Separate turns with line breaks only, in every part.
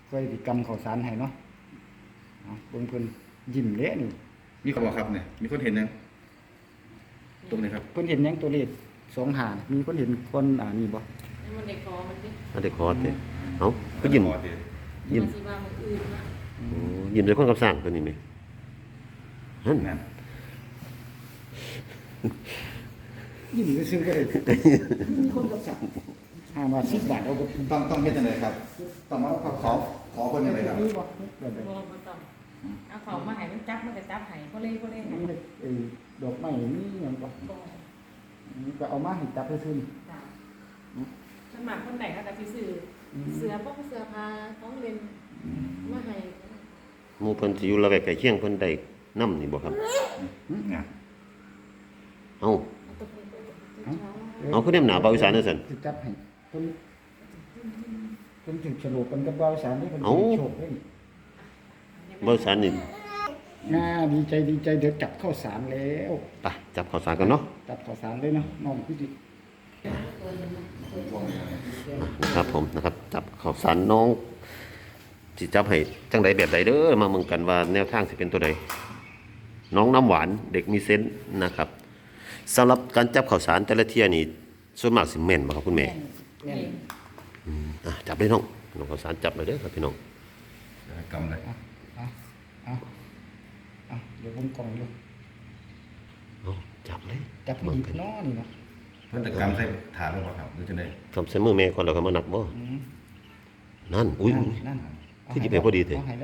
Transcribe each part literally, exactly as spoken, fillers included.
เคยติกรรมข้าวสารให้เนาะเอาเบิ่งเพิ่นยิ้มเละนี่
มีคนบอกครับเนี่ยมีคนเห็นยังตรงไหนครับ
เพิ่นเห็นหยังตัวเลขสองหามีคนเห็นคนอ่านี่บ่
นี่มันเด็กคอมันดิ
อันเด็กคอร์สเด้เอ้าก็ยิ้ม
ขอเดี๋ยว
ยิ้ม
มันสิว่ามันอื่นนะ
โอ้ยิ้มด้วยความกับสร้างตัวนี้ไหมนั่น
นั่น
ยิ้มซื่อๆก็ได้มีคนกับสั่งหามาสิบบาทเอาก็
ต้องต้องเฮ็ดยังไงครับ ต้องมาขอขอขอคนยังไงครับ
มีบ่แบบใด
บ่บ่ต้องเอาเขามาให้มันจับมันก็จับให้บ่เล่บ่เล่ให้
มีไอ้ดอกไม้มีหยังบ่
บ่
นี่ก็เอามาให้จับซื่อ
จ้ะสมัครคนไหนเขาก็สิซื้อเสื้อป้องเสื้อผ้าของเล่นมาให้
หมู่เพิ่นสิอยู่ระแวกใกล้เคียงเพิ่นได้นำนี่บ่ครับ
เนี่ย
เอ้า
เอาตัวนี้ไปตัวนี้
ๆ
เอาคือแนมหนาเบาอีสานจังซั่น
สิจับให้เพิ่นเพิ่นถึงฉลกกันกับบ่าวสารนี่เพิ่น
เอ้า
โชคเลย
เบาอีสานนี่
น่าดีใจดีใจเดี๋ยวจับข้าวสารแล้ว
ไปจับข้าวสารกันเนาะ
จับข้าวสารเลยเนาะน้องพี่ดิ
ครับผมนะครับจับข้าวสารน้องสิจับให้จังใดแบบใดเด้อมาเมืองกันว่าแนวทางสิเป็นตัวใดน้องน้ำหวานเด็กมีเซนส์นะครับสำหรับการจับข้าวสารแต่ละเที่ยนี่ส่วนมากสิแม่นบ่ครับคุณแม่
แม่น
อืมอ่ะจับเลยน้องน้องข้าวสารจับเลยเด้อครับพี่น้อง
เดี๋ยวกำเลย
เอาเอาเอาเอาเดี๋ยวผมกล่องอยู่
เอาจับเลย
จับ
เมือง
ดี
กัน
น้อนี่เนาะ
เพิ่นจะกำใส่ถาดหรือเปล่าครับหรือจะได้
ทำใส่มือแม่ก่อนแล้วก็มานับบ่
อืม
นั่นอุ้ย
นั่น
อุ้ย
นั่น
คือหยิบไปพอดีเถอะ
เอาให้แล้ว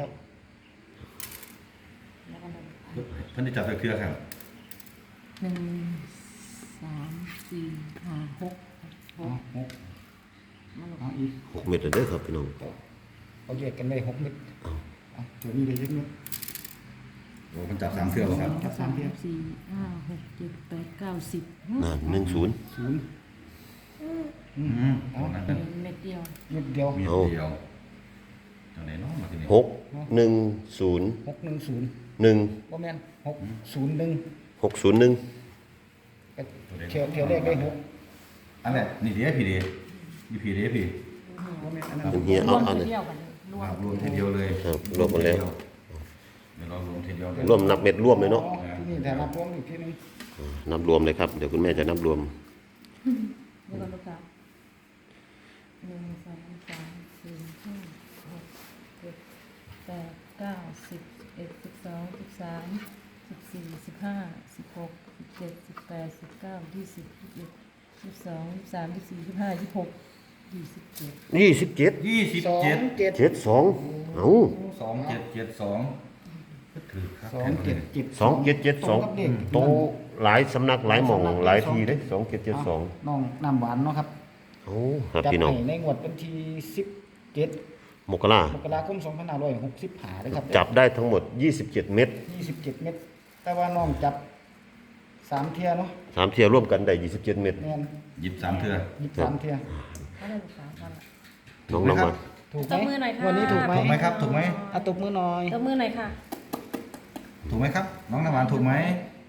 แล้วก็มัน
เพิ่นจะจับใส่เครือครับ
หนึ่งสามสี่ห้าหกห
เอา
ก
หก
มัน
เอาอีก
หกเม็ดเลยเด้อครับพี่น้อง
เอาแยกกันได้หกเม็ด
เอา
เอาตัวนี้ได้เล็กเม็ด
โอ้มันจับสามเครือเหรอครับ
จับสามเทียบ
สี่ห้าหกเจ็ดแปดเก้าสิบ
นั่นหนึ่งศูนย์
ศูนย์
อืมเอานั่นนั่น
เม็ดเดียว
เม็ดเดียว
มีเดียวจังไหนเนาะมาที่นี่
หกหนึ่งศูนย์
หกหนึ่งศูนย์
หนึ่ง
บ่แม่นหกศูนย์หนึ่ง
หกศูนย์หนึ่ง
เที่ยวเที่ยวแรกได้หก
อันแรกนี่เดียวพี่เดียวนี่พี่เดียวพี่
บ่แม่นอันนั้น
เป็นเฮีย
ร
เอา
วม
เอา
ที
เลย
เดียวกันรว
มาม รวมทีเดียวเลย
ครับรวมหมดแล้ว
เดี๋ยวเรารวมทีเดียวเลย
รวมนับเม็ดรวมเลยเนาะ
อ๋อที่นี่แต่นับรวมอีกทีหนึง
นับรวมเลยครับเดี๋ยวคุณแม่จะนับรวม
เดี๋ยวกันลูกค้าหนึ่งสองสามสี่ห้าหกเจ็ดแปดเก้าสิบสิบเอ็ดสิบสองสิบสามสิบสี่สิบห้าสิบหกสิบเจ็ดสิบแปดสิบเก้ายี่สิบยี่สิบเอ็ดยี่สิบสองยี่สิบสามยี่สิบสี่ยี่สิบห้ายี่สิบหกยี่สิบเจ็ด
ยี่สิบเจ็ด
ยี่สิบ
สอง
เจ็ด
เจ็ด
เจ็ดสองเอ้า
สองเจ็ดเจ็ดสองก็ถือครับ
สองเจ็ดเจ็ด
สองเจ็ดเจ็ดสอง
ตรงกับเลข
โตหลายสำนักหลายหม่องหลายทีเลยสองเจ็ดเจ็ดสอง
น้องน้ำหวานเนาะครับ
โอ้ครับ
จัด
พี่น้อง
ให้ในงวดวันที่สิบเจ็ด
มกราม
กราคมสองพันห้าร้อยหกสิบห้าเลยครับ
จับได้ทั้งหมดยี่สิบเจ็ดเม็ด
ยี่สิบเจ็ดเม็ดแต่ว่าน้องจับสามเทียเนาะ
สามเที่ยวร่วมกันได้ยี่สิบเจ็ดเม็ด
แม่น
หยิบสามเถื่อ
ยี่สิบสามเทีย
เขาได้ลูกค้ากัน
น้องน้องมา
ถูกไห
ตบมือหน่อยค่ะ
วันนี้ถูกไหม
ถูกไหมครับ ถูกไหม
อ่ะตบมือหน่อย
ตบมือหน่อยค่ะ
ถูกไหมครับ น้องน้ำหวานถูกไหม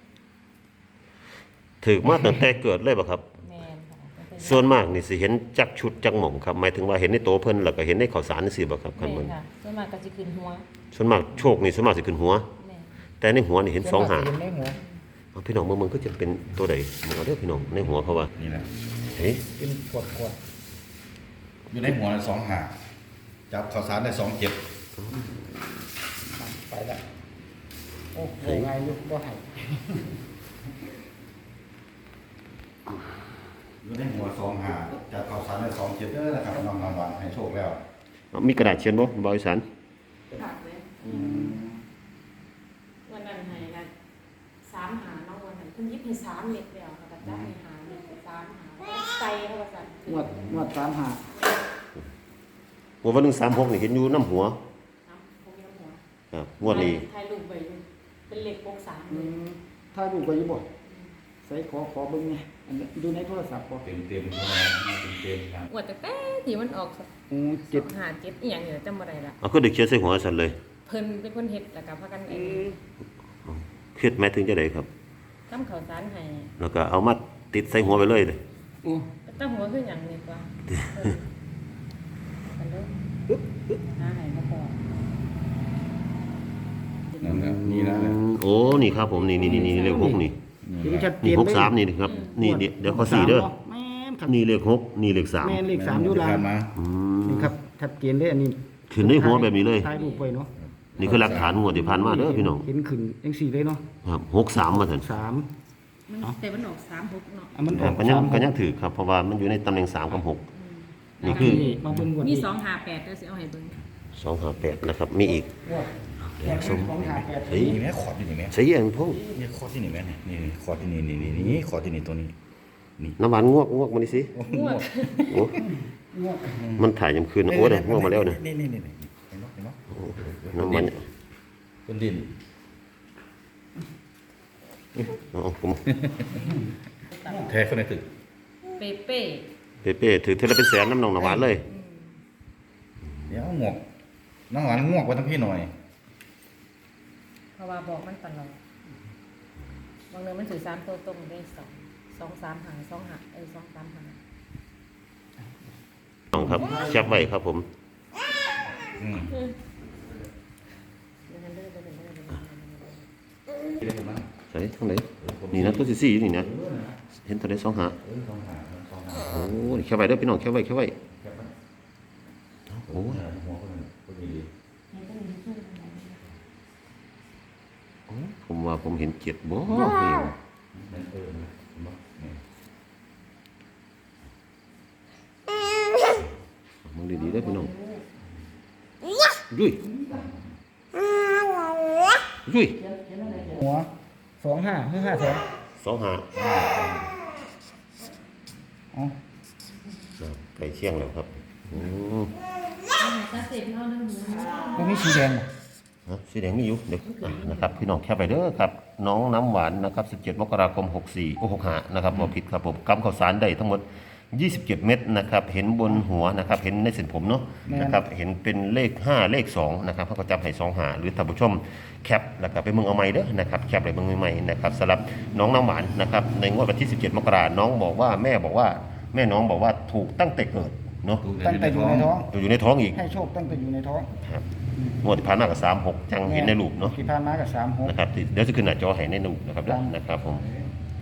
ถือมาตั้งแต่เกิดเลยป่ะครับ
แมนค่ะ
ส่วนมากนี่สิเห็นจักชุดจักหม่องครับหมายถึงว่าเห็นในโตเพิ่นแล้วก็เห็นในข่าวสารนี่สิบ่ครับ
แม
คันมัน
นค่ะส่วนมากก็จะขึ้นหัว
ส่วนมากโชคนี่ส่วนมากสิขึ้นหัว
แมน
แต่ในหัวนี่เห็นสองหาง
เห็นในหัว
เอาพี่น้องเมืองเมืองก็จะเป็นตัวใดมึงเอาเด้อพี่น้องในหัวเขาว่า
นี่แหละ
เฮ้ย
เป็นขวดขวด
อยู่ในหัวละสองหาจับข่าวสารได้สองเจ็ด
ไปแล้วโอ้โหไงลูกบ่ให้
อยู่ในหัวสองหาจับข่าวสารได้สองเจ็ดเด้อนะครับน้องน้ำหวานให้โชคแล้ว
เอามีกระดาษเขียนบ่บริษัท
ผักเลยวันนั้นให้นะสามหาน้องวันนั้นคุณยิบให้สามเม็ดแล้วค่ะแต่ได้ให้หาเม็ดสามหาใส่เข้าไปสั่น
งวดงวดสามหา
หัววันหนึ่งสามหกนี่เห็นอยู่น้ำหัว
น้ำพวกนี้น้ำหัว
ครับงวดนี้
ถ่ายรูปไว้อยู่เป็นเหล็กปกสาม
อืมถ้าดูไปอยี่บ่ใส่ขอขอเบิ่งไงอันนี้ดูในโทรศัพท์บ่
เต็มเต็มเต็มเต็มครับ
อวดแต่แต่ที่มันออก
โอ้เจ็ด
หาเจ็ดอีหยังเนี่ยจำบ่ได้ละ
เอาก็ดึกเขียนใส่หัวสันเลย
เพิ่นเป็นคนเฮ็ดแล้วก็พากันเอ
อื
ง
ม
เครียดไหมถึงจะได้ครับ
ทำข้าวสารให้
แล้วก็เอามาติดใส่หัวไปเลยเลย
โอ้
ตั้งหัวคือหยังนี่กว่ากันเด้อหาให้มาพอ
นั่นแหละนี่นะ
อืมโอ้นี่ครับผมนี่นี่นี่นี่เลขหกนี่
เห็นชัดเจ
นี่
น
หกสามนี่นะครับนี่เดี๋ยวเดี๋ยวขอสี่เด้อ
แม่นครับ
นี่เลขหกนี่เลขสาม
แม่นเลขสามอยู่ล่าง
มา
อืม
นี่ครับชัดเจนเลยอันนี้
ขึ้นในหัวแบบนี้เลย
ถ่ายรูปไว้เนาะ
นี่คือหลักฐานงวดที่ผ่านมาเด้อพี่น้อง
เห็นขึ้นจังสี่เลยเนาะ
ครับหกสามมาถึง
สาม
มันแต่มันออกสามหกเนาะ
อ่ะมันอ
ครั
อบ ก
ก็ยัง
สาม
ก็ยังถือครับเพราะว่ามันอยู่ในตำแหน่งสามกับหกนี่คือ
นี่มาเบิ่งก่อน
มีสองหาแปดก็สิเอาให้เบิ่ง
สองห้าแปดนะครับมีอีก
แปดสองห้าแปด
เฮ้ย
นี่แม่ขอดอยู่นี่แม่
ใช่ยังพง
นี่ขอดที่นี่แม่นี่นี่ขอดที่นี่นี่นี่นี่ขอดที่นี่ตัวนี้
น้ำหวานงวกงวกมาดิสิ
งวด
โอ้มันถ่ายยามคืนนะโอ้เนี่ยงวกมาแล้วเนี่ย
นี่นี่นี่นี่เห็นไหมเห็นไหม
น้ำหวาน
เป็นดิน
อ๋อผม
แท้คนในตึก
เปเป้
เป๊ะๆถือเทละเป็นแสนน้ำหนองน้ำหวานเลย
เดี๋ยวหมวกน้องหวานงวกไว้ทั้งพี่หน่อย
เพราะว่าบอกมันตลอดบางเดือนมันถือสามตัวตรงได้สองสองสามหางสองหางเออสองสามหาง
น้องครับแคปไว้ครับผม
อืม
เดี๋ยวนั้นเด้อเด้อเด้อเด้อเด้อ
เห็นไหม
ใส่ทางไหนนี่นะตัวสี่สี่อยู่นี่นะเห็นตัวไหนสองหา
เออสองหาสองหา
โอ้นี่แคปไว้เด้อพี่น้องแคปไว้แคปไว้
แค่ไหม
โอ้ย
หัวคนนั้นคนดี
ผมว่าผมเห็นเจ็ดบ่นี่
นั่นเออเห็นไหมนี่
มึงดีๆได้อพี่น้องยุ้ยยุ้ย
หัวสองห้าห้าห้าสอง
สองหา
อ๋อ
ไก่เชียงแล้วครับอืม
ตัดเสร็จเอาเรื่องหมู
มันมีสีแดงบ่
ฮะสีแดงมีอยู่เดี๋ยวอ่ะนะครับพี่น้องแคปไปเด้อครับน้องน้ำหวานนะครับสิบเจ็ดมกราคมหกสี่โอ้หกห้านะครับบ่ผิดครับผมกำข้าวสารได้ทั้งหมดยี่สิบเจ็ดเม็ดนะครับเห็นบนหัวนะครับเห็นในเส้นผมเนาะนะครับเห็นเป็นเลขห้าเลขสองนะครับเขาก็จำให้สองหาหรือท่านผู้ชมแคปแล้วก็ไปเมืองเอาใหม่เด้อนะครับแคปไปเมืองใหม่ๆนะครับสำหรับน้องน้ำหวานนะครับในงวดวันที่สิบเจ็ดมกราน้องบอกว่าแม่บอกว่าแม่น้องบอกว่าถูกตั้งแต่เกิดเนาะ
ตั้งแต่อยู่ในท้อง
อยู่ในท้องอีก
ให้โชคตั้งแต่อยู่ในท้อง
ครับงวดที่ผ่านมากับสามหกจังเห็นในรูปเนาะ
ที่ผ่านมากับสามหก
นะครับเดี๋ยวจะขึ้นหน้าจอให้ในรูปนะครับเด้อนะครับผม
ค